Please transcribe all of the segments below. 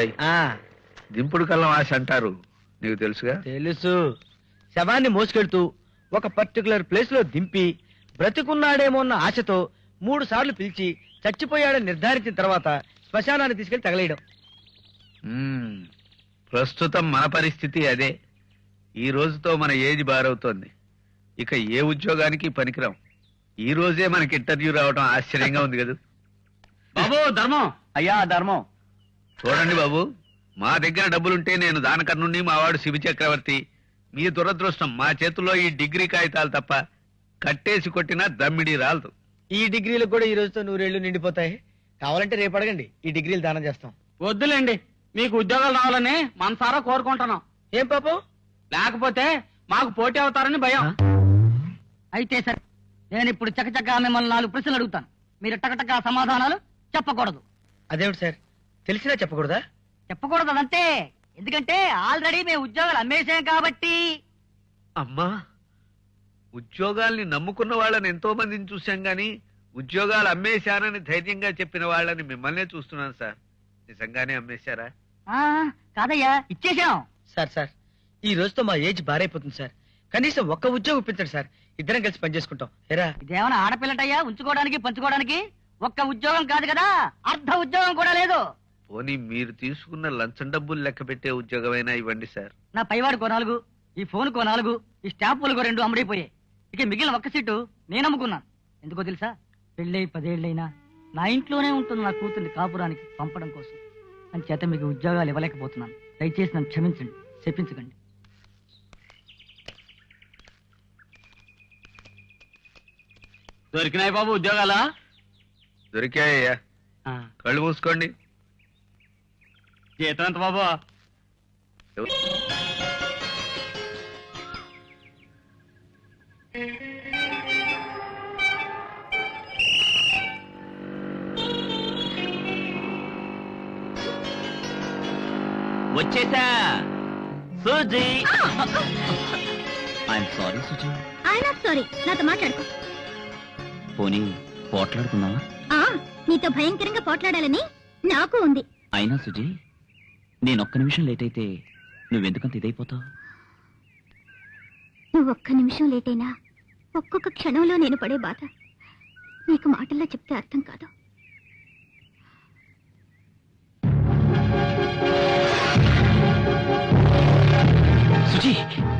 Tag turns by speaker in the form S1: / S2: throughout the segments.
S1: దింపుడు కళ్ళం ఆశ అంటారు, నీకు తెలుసుగా?
S2: తెలుసు. శవాన్ని మోసుకెళ్తూ ఒక పర్టికులర్ ప్లేస్ లో దింపి బ్రతికున్నాడేమో అన్న ఆశతో 3 సార్లు పిలిచి చచ్చిపోయాడని నిర్ధారించిన తర్వాత శ్మశానాన్ని తీసుకెళ్లి తగలేయడం.
S1: ప్రస్తుతం మన పరిస్థితి అదే. ఈ రోజుతో మన ఏజ్ బారవుతోంది. ఇక ఏ ఉద్యోగానికి పనికిరాం. ఈ రోజే మనకి ఇంటర్వ్యూ రావడం ఆశ్చర్యంగా ఉంది కదా
S2: బాబు. ధర్మం అయ్యా, ధర్మం.
S1: చూడండి బాబు, మా దగ్గర డబ్బులుంటే నేను దానకర్ణుణ్ణి, మా వాడు శివ చక్రవర్తి. మీ దురదృష్టం, మా చేతుల్లో ఈ డిగ్రీ కాగితాలు తప్ప కట్టేసి కొట్టినా దమ్మిడి రాలదు.
S2: ఈ డిగ్రీలు కూడా ఈ రోజుతో 100 ఏళ్లు నిండిపోతాయి. కావాలంటే రేపు అడగండి, ఈ డిగ్రీలు దానం చేస్తాం.
S3: వద్దులేండి, మీకు ఉద్యోగాలు రావాలని మనసారా కోరుకుంటున్నాం.
S2: ఏం పాపం?
S3: లేకపోతే మాకు పోటీ అవుతారని భయం.
S4: అయితే సరే, నేను ఇప్పుడు చకచకా మిమ్మల్ని 4 ప్రశ్నలు అడుగుతాను. మీరు టకటకా సమాధానాలు చెప్పకూడదు.
S2: అదేమిటి సార్, తెలిసినా చెప్పకూడదా?
S4: చెప్పకూడదు అదంతే. ఎందుకంటే ఆల్రెడీ మేము ఉద్యోగాలు అమ్మేసాం కాబట్టి.
S1: అమ్మా, ఉద్యోగాల్ని నమ్ముకున్న వాళ్ళని ఎంతో మందిని చూశాం గాని ఉద్యోగాలు అమ్మేశానని ధైర్యంగా చెప్పిన వాళ్ళని మిమ్మల్నే చూస్తున్నాను సార్. నిజంగానే అమ్మేశారా?
S4: కాదయ్యా, ఇచ్చేసాం.
S2: సార్ ఈ రోజుతో మా ఏజ్ బారైపోతుంది సార్. కనీసం ఒక్క ఉద్యోగం ఇప్పించండి సార్, ఇద్దరం కలిసి పనిచేసుకుంటాం. ఎరా,
S4: ఇదేమైనా ఆడపిల్లటయ్యా ఉంచుకోవడానికి పంచుకోవడానికి? ఒక్క ఉద్యోగం కాదు కదా, అర్ధ ఉద్యోగం కూడా లేదు.
S1: పోనీ మీరు తీసుకున్న లంచం డబ్బులు లెక్క పెట్టే ఉద్యోగమైనా ఇవ్వండి సార్.
S4: నా పైవాడికో 4, ఈ ఫోన్కో 4, ఈ స్టాంపులకో 2 అమ్ముడైపోయాయి. ఇక మిగిలిన ఒక్క సీటు నేను అమ్ముకున్నాను. ఎందుకో తెలుసా? పెళ్ళై 10 ఏళ్ళైనా నా ఇంట్లోనే ఉంటుంది నా కూతుర్ని కాపురానికి పంపడం కోసం. అని చేత మీకు ఉద్యోగాలు ఇవ్వలేకపోతున్నాను. దయచేసి నన్ను క్షమించండి, చెప్పించకండి.
S3: దొరికినాయి బాబు ఉద్యోగాలా?
S1: దొరికాయ్యా, కళ్ళు మూసుకోండి.
S3: జీతం ఎంత బాబు?
S5: వచ్చేసా Suji. I'm sorry Suji.
S6: I'm sorry, నాతో మాట్లాడుకో.
S5: పోనీ పోట్లాడుకుందామా?
S6: నీతో భయంకరంగా పోట్లాడాలని నాకు ఉంది.
S5: అయినా సుజీ, నేనొక్క నిమిషం లేట్ అయితే నువ్వెందుకంత ఇదైపోతావు?
S6: నువ్వు ఒక్క నిమిషం లేట్ అయినా ఒక్కొక్క క్షణంలో నేను పడే బాధ నీకు మాటల్లో చెప్తే అర్థం కాదు.
S5: సుజీ,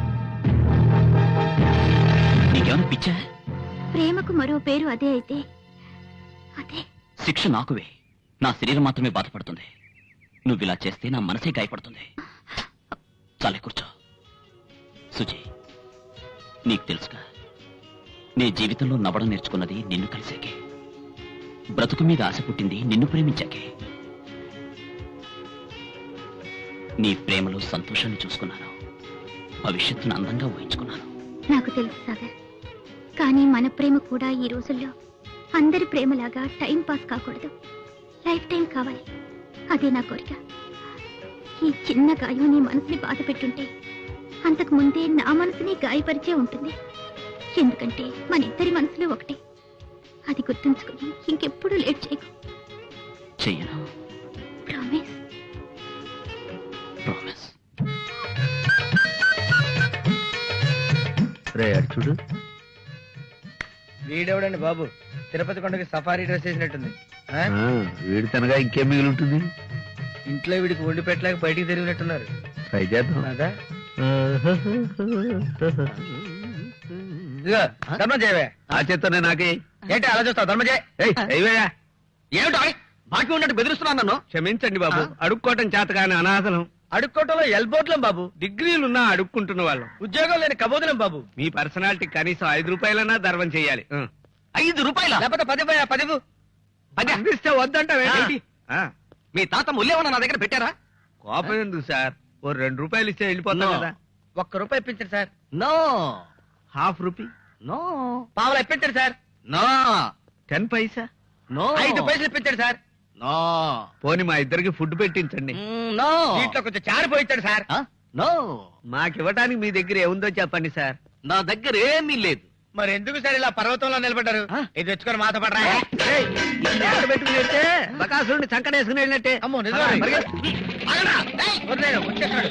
S5: నీకేమైనా పిచ్చా?
S6: ప్రేమకు మరో పేరు అదే అయితే అదే.
S5: శిక్ష నాకువే, నా శరీరం మాత్రమే బాధపడుతుంది. నువ్వు ఇలా చేస్తే నా మనసే గాయపడుతుంది. చాలే, కూర్చో. సుజీ, నీకు తెలుసుగా, నీ జీవితంలో నవ్వడం నేర్చుకున్నది నిన్ను కలిసాకే. బ్రతుకు మీద ఆశ పుట్టింది నిన్ను ప్రేమించాకే. నీ ప్రేమలో సంతోషాన్ని చూసుకున్నాను, భవిష్యత్తును అందంగా ఊహించుకున్నాను.
S6: నాకు తెలుసు సాగర్, కానీ మన ప్రేమ కూడా ఈ రోజుల్లో అందరి ప్రేమలాగా టైం పాస్ కాకూడదు, లైఫ్ టైం కావాలి. అదే నా కోరిక. ఈ చిన్న గాయం నీ మనసుని బాధ పెట్టుంటే అంతకు ముందే నా మనసుని గాయపరిచే ఉంటుంది. ఎందుకంటే మన ఇద్దరి మనసులు ఒకటే. అది గుర్తుంచుకుని ఇంకెప్పుడు లేట్ చేయకు.
S5: చెయ్యను.
S6: ప్రామిస్.
S5: ప్రామిస్.
S1: రే అటు చూడు.
S2: వీడెవడండి బాబు, తిరుపతి కొండకి సఫారీ డ్రెస్ వేసినట్టుంది.
S1: వీడి తనగా ఇంకేం మిగిలి ఉంటుంది?
S2: ఇంట్లో వీడికి వండి పెట్టలేక బయటికి తిరిగినట్టున్నారు.
S1: ట్రై చేద్దాం.
S2: అదా ఇదిగో ధర్మం చేయవే.
S1: ఆ చేత్తోనే నాకే.
S2: ఏంటి అలా చూస్తావు? ధర్మం చేయ.
S3: ఏమిటో బాకీ ఉన్నట్టు బెదిరిస్తున్నాను నన్ను.
S1: క్షమించండి బాబు, అడుక్కోవటం చేత కానీ అనాథలం.
S2: అడుక్కోవటంలో ఎల్బోట్లం బాబు,
S1: డిగ్రీలున్నా అడుక్కుంటున్న వాళ్ళం,
S2: ఉద్యోగం లేని కబోదులం బాబు.
S1: మీ పర్సనాలిటీ కనీసం 5 రూపాయలన్నా ధర్మం చేయాలి.
S3: 5 రూపాయల
S2: లేకపోతే 10
S1: అందిస్తే వద్దంటావేంటి?
S3: మీ తాత ముల్లేమన్నా నా దగ్గర పెట్టారా?
S1: కోపం ఎందుకు సార్, ఓ 2 రూపాయలు ఇస్తే వెళ్ళిపోతాం కదా.
S2: ₹1 ఇప్పించండి సార్.
S3: నో.
S1: ½ రూపీ.
S3: నో.
S2: పావులు ఇప్పించండి సార్.
S3: నో.
S1: 10 పైసా.
S3: నో.
S2: 5 పైసలు ఇప్పించండి సార్.
S3: నో.
S1: పోనీ మా ఇద్దరికి ఫుడ్ పెట్టించండి.
S3: నో.
S2: దీంట్లో కొంచెం చారిపోయించండి సార్.
S3: నో.
S1: మాకివ్వటానికి మీ దగ్గర ఏముందో చెప్పండి సార్.
S3: నా దగ్గర ఏమీ లేదు.
S2: మరి ఎందుకు సార్ ఇలా పర్వతంలో నిలబడ్డారు? ఇది తెచ్చుకొని మాతో పడరా.
S1: పెట్టుకుని వెళ్తే బకాసురుడిని సంకటేసుకుని వెళ్ళినట్టే.
S2: అమ్మో నిజమే. వచ్చేస్తాడు.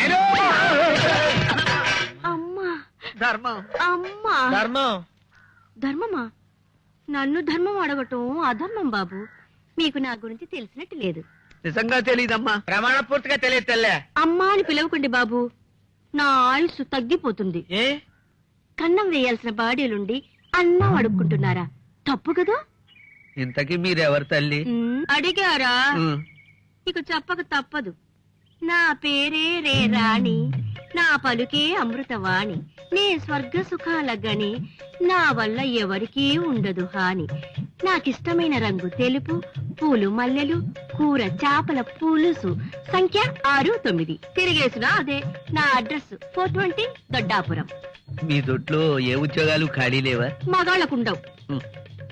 S7: అమ్మా
S1: ధర్మం.
S7: అమ్మా
S2: ధర్మం.
S7: ధర్మమా? నన్ను ధర్మం అడగటం అధర్మం బాబు. మీకు నా గురించి తెలిసినట్టు లేదు.
S1: నిజంగా తెలీదమ్మా.
S2: ప్రమాణ పూర్తిగా తెలియదు తెల్లే.
S7: అమ్మా అని పిలవకండి బాబు. నా ఆయుస్సు తగ్గిపోతుంది.
S2: ఏ
S7: కన్నం వేయాల్సిన బాడీలుండి అన్నం అడుక్కుంటున్నారా? తప్పు కదా.
S1: ఇంతకీ మీరెవరు తల్లి?
S7: అడిగారా?
S1: ఉమ్.
S7: ఇక చెప్పక తప్పదు. నా పేరే రే రాణి, నా పలుకే అమృతవాణి, నే స్వర్గ సుఖాల గని, నా వల్ల ఎవరికీ ఉండదు హాని. నాకిష్టమైన రంగు తెలుపు, పూలు మల్లెలు, కూర చేపల పులుసు, సంఖ్య 69. తిరిగేసిన అదే నా అడ్రస్ 420 దొడ్డాపురం.
S1: మీ దొడ్లో ఏ ఉద్యోగాలు ఖాళీ లేవా?
S7: మగాళ్ళకుండవు.
S1: ఉమ్.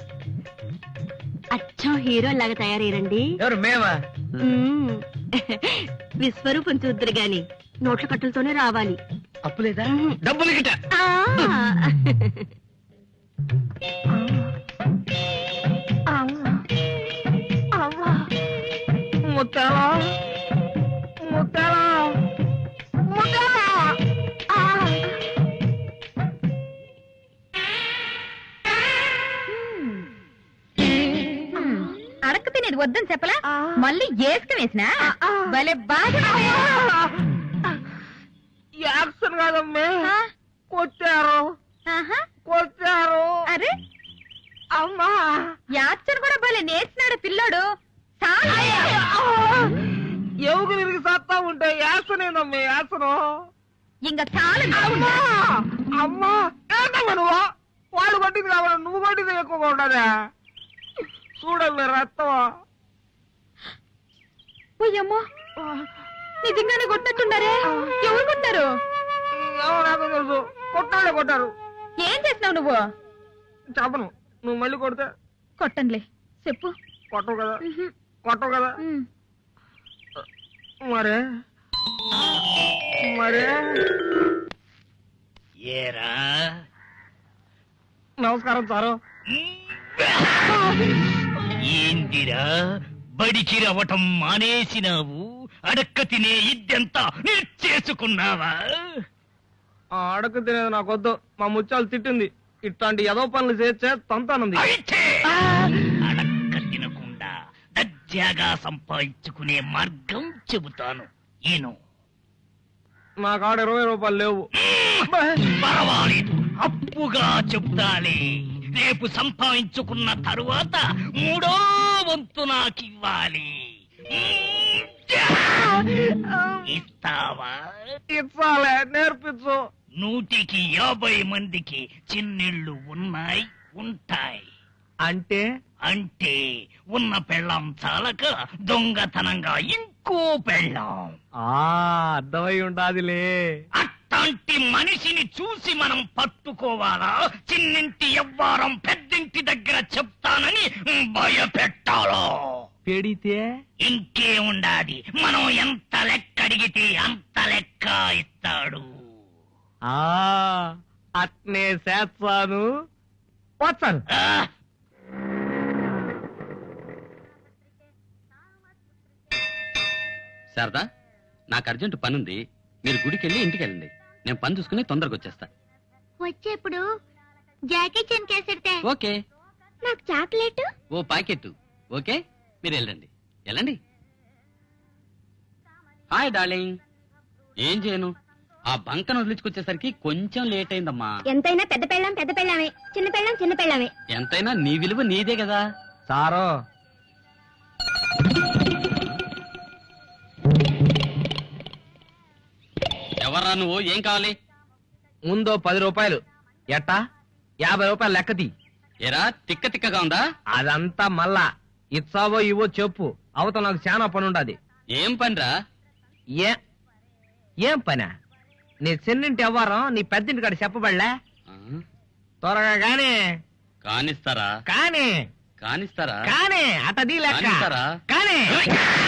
S7: అచ్చం హీరో లాగా తయారయ్యండి.
S2: ఎవరు మేమా?
S7: విశ్వరూపం చూద్దరు గాని నోట్ల కట్టలతోనే రావాలి.
S2: అప్పు లేదా?
S1: డబ్బులు గిట.
S7: ఆ.
S2: ముత్తాలా ముత్తాలా ముత్తాలా.
S6: అడక్క తినేది వద్దని చెప్పలా? మళ్ళీ ఏసుక వేసినా భలే బాగా
S2: యాక్షన్ కాదమ్మే, కొట్టారు కొట్టారు.
S6: అరే
S2: అమ్మా
S6: యాక్షన్ కూడా భలే నేర్చినాడు పిల్లోడు.
S2: ఎవరు తిరిగి సత్తా ఉంటే యాక్షన్ ఏందమ్మే యాక్షన్.
S6: ఇంకా చాలా
S2: అమ్మా అమ్మా ఏంటమ్మా నువ్వు? వాళ్ళు కొట్టింది కావాలి, నువ్వు కొట్టింది ఎక్కువగా ఉండదా? చూడమ్మే రక్తం.
S6: పోయమ్మా నిజంగానే కొట్టినట్టున్నారే. ఎవరు కొట్టారు?
S2: నాకు తెలుసు, కొట్టాడే కొట్టారు.
S6: ఏం చేసినావు నువ్వు?
S2: చెప్పను. నువ్వు మళ్ళీ కొడితే
S6: కొట్టనులే చెప్పు.
S2: కొట్టవు కదా కొట్టవు కదా. మరే మరే
S5: ఏరా
S2: నమస్కారం సారు.
S5: ఏందిరా బడికి రవ్వటం మానేసినావు? అడక్క తినే ఇద్దెంతా చేసుకున్నావా?
S2: అడక తినేది నాకొద్దు. మా ముత్యాలు తిట్టింది. ఇట్లాంటి ఏదో పనులు చేస్తే తంతానుంది.
S5: అయితే అడక్క తినకుండా దర్జాగా సంపాదించుకునే మార్గం చెబుతాను. ఈను
S2: నా కాడ 20 రూపాయలు లేవు.
S5: పర్వాలేదు, అప్పుగా చెప్తాలే. రేపు సంపాదించుకున్న తరువాత 3వ వంతు నాకివ్వాలి. ఇస్తావా?
S2: ఇచ్చాలే, నేర్పించు.
S5: 150 మందికి చిన్నిళ్ళు ఉన్నాయి, ఉంటాయి.
S2: అంటే
S5: అంటే ఉన్న పెళ్ళాం చాలక దొంగతనంగా ఇంకో పెళ్ళాం.
S2: అర్థమై ఉండాదిలే.
S5: అట్లాంటి మనిషిని చూసి మనం పట్టుకోవాలా? చిన్నింటి ఎవ్వారం పెద్దింటి దగ్గర చెప్తానని భయపెట్టాలో?
S2: పెడితే
S5: ఇంకే ఉండాది, మనం ఎంత లెక్క అడిగితే అంత లెక్క ఇస్తాడు.
S2: అట్నే చేస్తాను. వచ్చాను.
S5: ఆ,
S8: శారదా, నాకు అర్జెంట్ పనుంది. మీరు గుడికి వెళ్ళి ఇంటికి వెళ్ళండి. నేను పని చూసుకుని తొందరగా వచ్చేస్తా.
S6: వచ్చేప్పుడు జాకీ చెన్ కేసెడితే
S8: ఓకే.
S6: నాకు చాక్లెట్.
S8: ఓ ప్యాకెట్. ఓకే, మీరు వెళ్ళండి వెళ్ళండి. Hi darling. ఏం చేయను, ఆ బంకను వదిలించుకొచ్చేసరికి కొంచెం లేట్ అయిందమ్మా.
S6: ఎంతైనా పెద్ద పెళ్ళాం పెద్ద పెళ్ళామే, చిన్న పెళ్ళాం చిన్న పెళ్ళామే.
S8: ఎంతైనా నీ విలువ నీదే కదా.
S2: సారో
S8: ఎవర్రా నువ్వు? ఏం కావాలి?
S2: ముందో 10 రూపాయలు. ఎట్టా 50 రూపాయలు లెక్కది.
S8: ఏరా తిక్క తిక్కగా ఉందా?
S2: అదంతా మళ్ళా ఇచ్చావో ఇవో చెప్పు. అవతల నాకు చాలా పని ఉండదు.
S8: ఏం పనిరా?
S2: ఏం పనా? నీ చిన్నింటి ఎవ్వరం నీ పెద్దింటి కాడ చెప్పబడలే. త్వరగా గానీ
S8: కానిస్తారా?
S2: కానీ
S8: కానిస్తారా?
S2: కానీ అతది లెక్క
S8: కానిస్తారా?
S2: కానీ